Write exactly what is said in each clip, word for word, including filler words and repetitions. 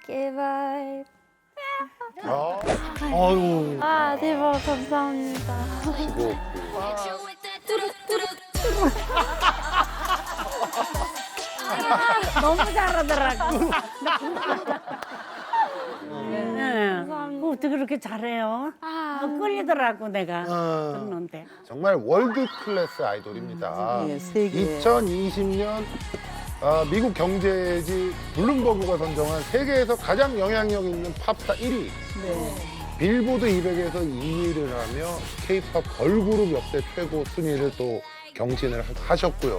give up. 아, 아유. 아 대박 감사합니다. 이거 너무 잘하더라고. 네. 감사합니다. 어떻게 그렇게 잘해요? 아, 어, 끌리더라고 내가 어, 듣는데. 정말 월드 클래스 아이돌입니다. 예, 세계. 이천이십 년 아, 미국 경제지 블룸버그가 선정한 세계에서 가장 영향력 있는 팝스타 일 위. 네. 빌보드 이백에서 이 위를 하며 K-팝 걸그룹 역대 최고 순위를 또 경신을 하- 하셨고요.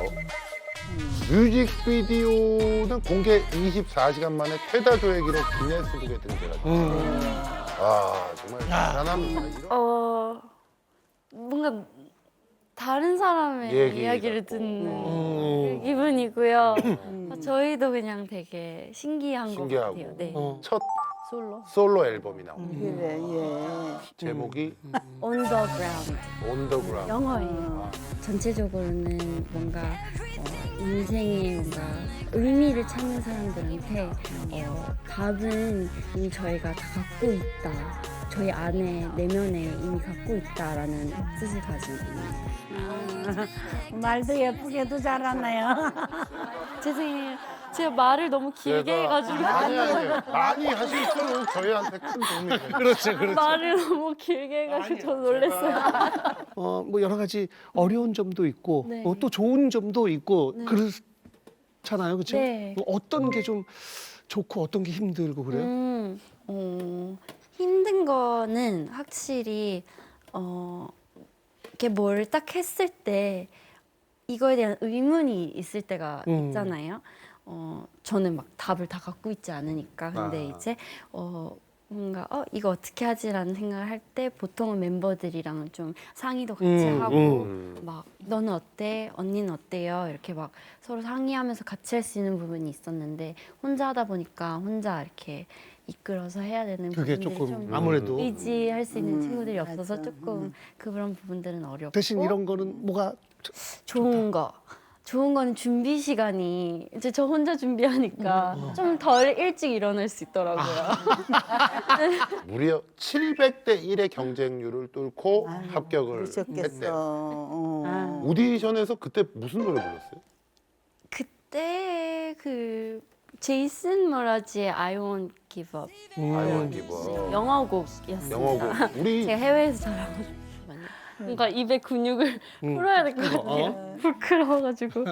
뮤직비디오는 공개 이십사 시간 만에 최다 조회 기록 기네스북에 등재가 음. 됐습니다. 아 정말 대단합니다. 이런 어 뭔가 다른 사람의 얘기 이야기를 같고. 듣는 음. 그 기분이고요. 어, 저희도 그냥 되게 신기한 것 신기하고. 같아요. 네. 어. 첫 솔로. 솔로 앨범이 나옵니다. 그래, 예. 제목이 On the ground. On the Ground. 영어예요. 전체적으로는 뭔가 어, 인생에 뭔가 의미를 찾는 사람들한테 어, 답은 이미 저희가 다 갖고 있다. 저희 안에 내면에 이미 갖고 있다라는 뜻을 가진 곡입니다. 말도 예쁘게도 잘하네요. 죄송해요. 제가 말을 너무 길게 제가 해가지고 많이 하세요. 많이 하실수록 저희한테 큰 도움이 됩니다. 그렇죠, 그렇죠. 말을 너무 길게 해가지고 저 놀랐어요. 어, 뭐 여러 가지 어려운 점도 있고 네. 어, 또 좋은 점도 있고 네. 그렇잖아요, 그렇죠? 네. 어떤 게 좀 좋고 어떤 게 힘들고 그래요? 음, 어, 힘든 거는 확실히 어, 이렇게 뭘 딱 했을 때 이거에 대한 의문이 있을 때가 음. 있잖아요. 어, 저는 막 답을 다 갖고 있지 않으니까. 근데 아. 이제 어, 뭔가 어 이거 어떻게 하지라는 생각을 할 때 보통은 멤버들이랑 좀 상의도 같이 음, 하고 음. 막 너는 어때? 언니는 어때요? 이렇게 막 서로 상의하면서 같이 할 수 있는 부분이 있었는데 혼자 하다 보니까 혼자 이렇게 이끌어서 해야 되는 그게 부분들이 조금 좀 아무래도 의지할 수 있는 음, 친구들이 없어서 맞아. 조금 그런 부분들은 어렵고 대신 이런 거는 뭐가 좋은 거 좋은 거는 준비 시간이 이제 저 혼자 준비하니까 음. 좀 덜 일찍 일어날 수 있더라고요. 무려 칠백 대 일의 경쟁률을 뚫고 아유, 합격을 그러셨겠어. 했대요. 어. 아. 오디션에서 그때 무슨 노래 불렀어요? 그때 그 제이슨 머라지의 I Won't Give Up 음. I Want Give Up. 영어곡이었습니다. 영어곡. 우리 제가 해외에서 잘하고 싶어요. 뭔가 입에 근육을 음. 풀어야 될 것 그거, 같아요. 어? 부끄러워가지고.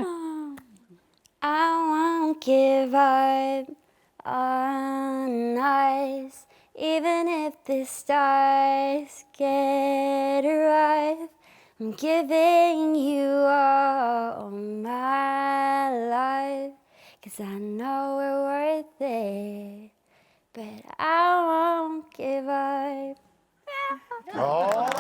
I won't give up on us, even if the stars get rough. I'm giving you all my life, 'cause I know we're worth it, but I won't give up. 아.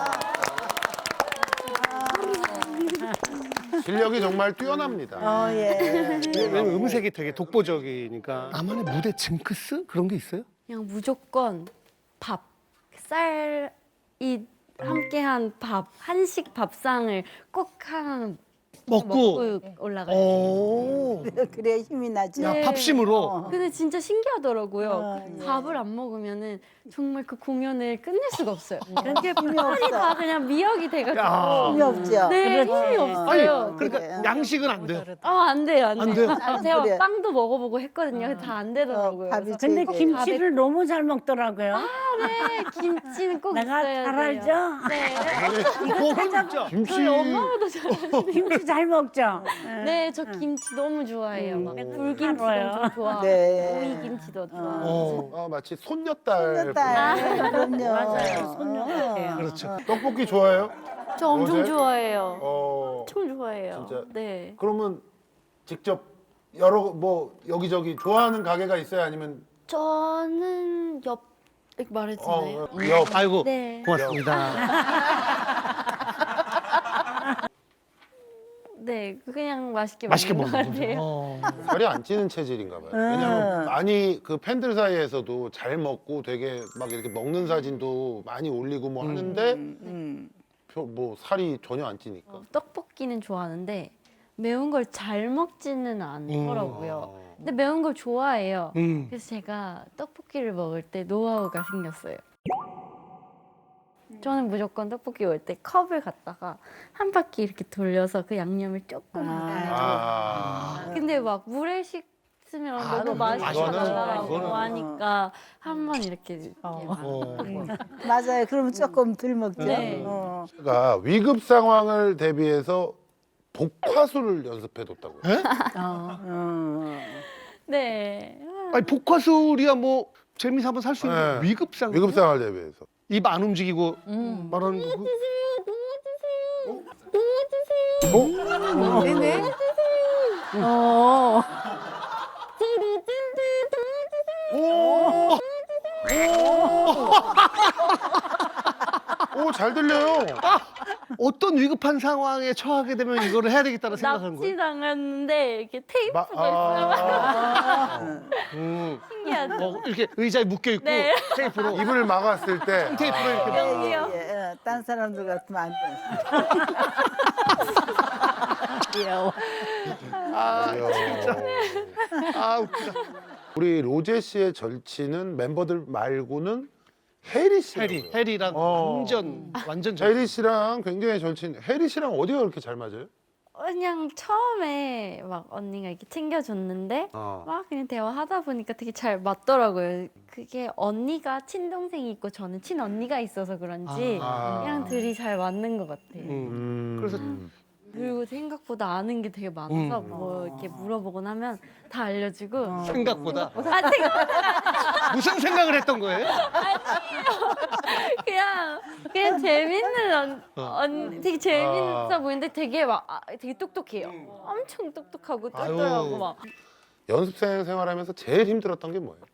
실력이 정말 뛰어납니다. 어, 예. 왜냐면 음색이 되게 독보적이니까 나만의 무대 징크스 그런 게 있어요? 그냥 무조건 밥, 쌀이 함께한 밥, 한식 밥상을 꼭 하나 먹고. 먹고 올라가요. 오. 그래 힘이 나지. 야, 네. 밥심으로. 어. 근데 진짜 신기하더라고요. 어, 예. 밥을 안 먹으면은 정말 그 공연을 끝낼 수가 없어요. 그렇게 힘이 팔이 없어. 다 그냥 미역이 돼가지고. 야. 힘이 없죠. 네, 그렇지. 힘이 아니, 없어요. 그러니까 그래. 양식은 안 돼요. 어, 안 돼요, 안 안 돼요. 돼요? 아, 제가 그래. 빵도 먹어보고 했거든요. 다 안 되더라고요. 어, 밥이 그래서 근데 제일 김치를 너무 잘 먹더라고요. 네, 김치는 꼭 내가 있어야 잘 돼요. 알죠? 네. 뭐 진짜. 김치. 저희 엄마보다 잘하시네요. 김치 잘 먹죠? 네, 저 김치 너무 좋아해요. 막 음. 불김치도 알아요. 엄청 좋아하고 네. 오이김치도 좋아하고. 어. 아, 마치 손녀딸. 딸. 그럼요. 맞아요. 손녀 어. 같아요. 그렇죠. 떡볶이 좋아해요? 저 엄청 어제? 좋아해요. 어. 엄청 좋아해요. 진짜? 네. 그러면 직접 여러 뭐 여기저기 좋아하는 가게가 있어요? 아니면 저는 옆 이렇게 말했잖아요. 어, 어, 옆 아이고 네. 고맙습니다. 네, 그냥 맛있게, 맛있게 먹는 먹는 것 거죠. 같아요. 어. 살이 안 찌는 체질인가 봐요. 왜냐면 많이 그 팬들 사이에서도 잘 먹고 되게 막 이렇게 먹는 사진도 많이 올리고 뭐 하는데 음, 음. 표- 뭐 살이 전혀 안 찌니까. 어, 떡볶이는 좋아하는데 매운 걸 잘 먹지는 않더라고요. 음. 근데 매운 걸 좋아해요. 음. 그래서 제가 떡볶이를 먹을 때 노하우가 생겼어요. 저는 무조건 떡볶이 먹을 때 컵을 갖다가 한 바퀴 이렇게 돌려서 그 양념을 조금 넣어요. 아. 근데 막 물에 식으면 아, 너무 맛이 이거는- 달라고 이거는- 하니까 한 번 이렇게, 이렇게 어. 막 어. 맞아요. 그러면 조금 덜 먹죠. 네. 어. 제가 위급 상황을 대비해서 복화술을 연습해뒀다고요. 어. 네. 아니 복화술이야 뭐 재미삼아 살 수 있는 네. 위급상. 위급 상황을 대비해서. 입 안 움직이고 말하는 거. 어? 네네. 어. 오, 잘 들려요. 어떤 위급한 상황에 처하게 되면 이거를 해야 되겠다는 생각하는 납치 거예요. 당했는데 이렇게 테이프가 마- 아, 음. 신기하죠? 어, 이렇게 의자에 묶여 있고 네. 테이프로. 입을 막았을 때. 테이프로 이렇게 아. 여기요. 예, 예. 딴 사람들 같으면 안 돼. 귀여워. 아, 귀여워. 아 웃기다. 우리 로제 씨의 절친은 멤버들 말고는 해리 씨. 해리, 해리랑 어. 완전 완전 절. 해리 씨랑 굉장히 절친. 해리 씨랑 어디가 그렇게 잘 맞아요? 그냥 처음에 막 언니가 이렇게 챙겨줬는데 어. 막 그냥 대화하다 보니까 되게 잘 맞더라고요. 그게 언니가 친동생이 있고 저는 친언니가 있어서 그런지 아. 그냥 둘이 잘 맞는 것 같아요. 음. 음. 그래서 그리고 생각보다 아는 게 되게 많아서 음. 뭐 이렇게 물어보곤 하면 다 알려주고 생각보다 아 생각 무슨 생각을 했던 거예요? 그냥 그냥 재밌는 언, 어. 언 되게 재밌어 아. 보이는데 되게 막 아, 되게 똑똑해요. 엄청 똑똑하고 아유. 똘똘하고 막 연습생 생활하면서 제일 힘들었던 게 뭐예요?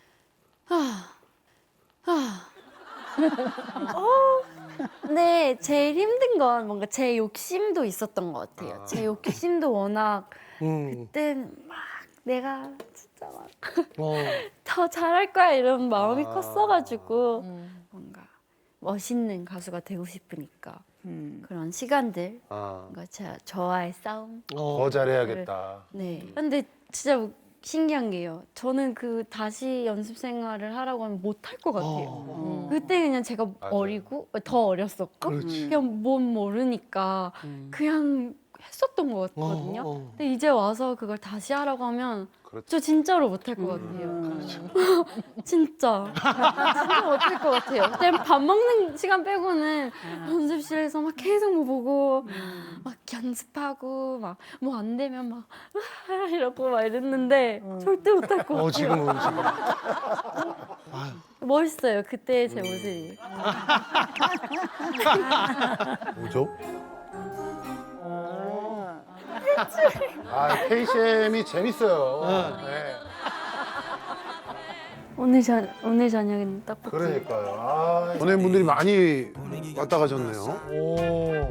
근데 제일 힘든 건 뭔가 제 욕심도 있었던 것 같아요. 제 욕심도 워낙 음. 그땐 막 내가 진짜 막 어. 더 잘할 거야 이런 마음이 아. 컸어가지고 뭔가 멋있는 가수가 되고 싶으니까 음. 그런 시간들 아, 뭔가 제, 저와의 싸움 어. 더 잘해야겠다. 네 근데 진짜 신기한 게요 저는 그 다시 연습 생활을 하라고 하면 못 할 것 같아요 어. 그때 그냥 제가 맞아요. 어리고 더 어렸었고 그렇지. 그냥 뭔 모르니까 그냥 했었던 것 같거든요 어, 어. 근데 이제 와서 그걸 다시 하라고 하면 그렇죠. 저 진짜로 못 할 것 같아요 진짜 진짜 못할 것 같아요. 그때 밥 먹는 시간 빼고는 연습실에서 막 계속 뭐 보고 막 연습하고 막 뭐 안 되면 막 이러고 막 이랬는데 절대 못할 것 어 같아요. 지금은 지금. 아유. 멋있어요. 그때 제 모습이. 뭐죠? 어. 아, 케이씨엠이 재밌어요. 네. 오늘 저 오늘 저녁에는 떡볶이. 그러니까요. 아, 연예인분들이 많이 왔다 가셨네요. 오.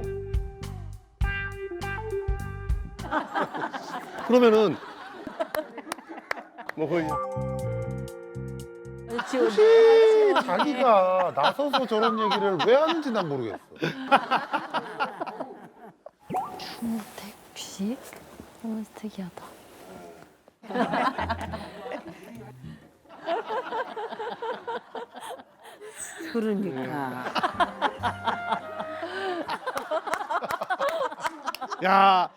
그러면은 뭐 거의 혹시 자기가 나서서 저런 얘기를 왜 하는지 난 모르겠어. 주택식? 너무 특이하다. 그러니까. 야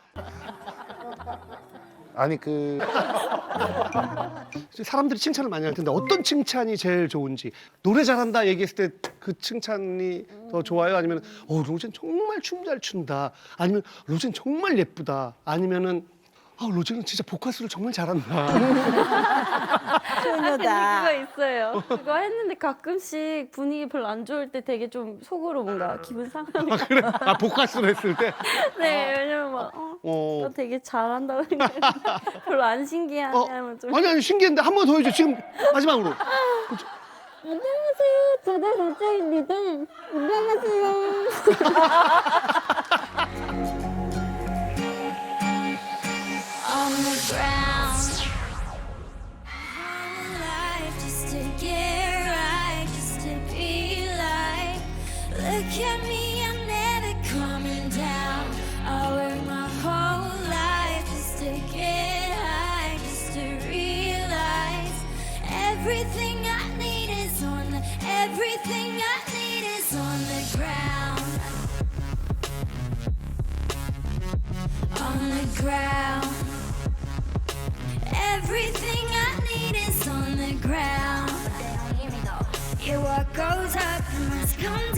아니 그 사람들이 칭찬을 많이 할 텐데 어떤 칭찬이 제일 좋은지 노래 잘한다 얘기했을 때 그 칭찬이 더 좋아요? 아니면 어 로젠 정말 춤 잘 춘다 아니면 로젠 정말 예쁘다 아니면은 아 로젠은 진짜 보컬스를 정말 잘한다 소녀다. 그거 있어요. 그거 했는데 가끔씩 분위기 별로 안 좋을 때 되게 좀 속으로 뭔가 기분 상하는. 그래 아 보컬스를 했을 때 네, 왜냐면 막 어, 어. 너 되게 잘한다고 생각했는데 별로 안 신기하네 어, 하면 좀. 아니 아니 신기한데 한 번 더 해줘 지금 마지막으로 안녕하세요. 저도 로제입니다. 안녕하세요. on the ground. Life just to get right, just to be like. Look at me, I'm never coming down. I work my whole life just to get high, just to reach. ground. Everything I need is on the ground. Yeah, what goes up must come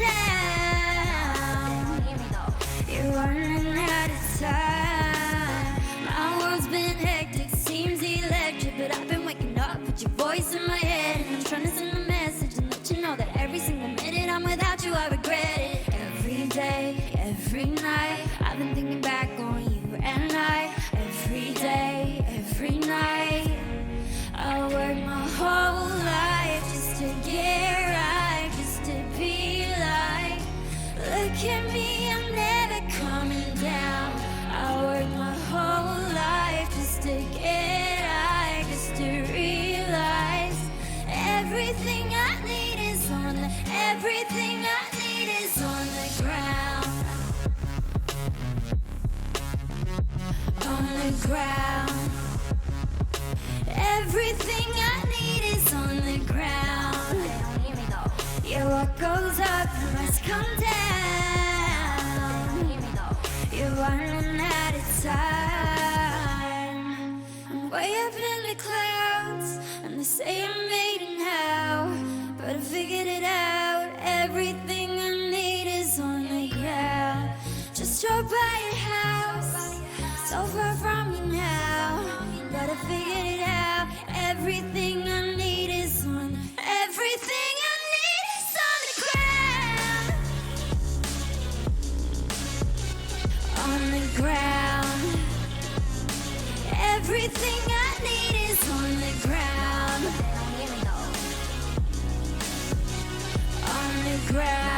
down. You're running out of time. My world's been hectic, seems electric, but I've been waking up with your voice in my head, and I'm trying to send a message and let you know that every single minute I'm without you, I regret it. Every day, every night, I've been thinking back on you and I. Every day, every night, I work my whole life just to get right, just to be like. Look at me, I'm never coming down. I work my whole life just to get right, just to realize everything I need is on the, everything I need is on the ground. On the ground. Everything I need is on the ground. Yeah, what goes up must come down. You're running out of time. I'm way up in the clouds, and they say I'm fading now, but I figured it out. Everything I need is on the ground. Just drove by your house, so far from you now, but I figured it out. Everything I need is on, everything I need is on the ground. On the ground. Everything I need is on the ground. On the ground.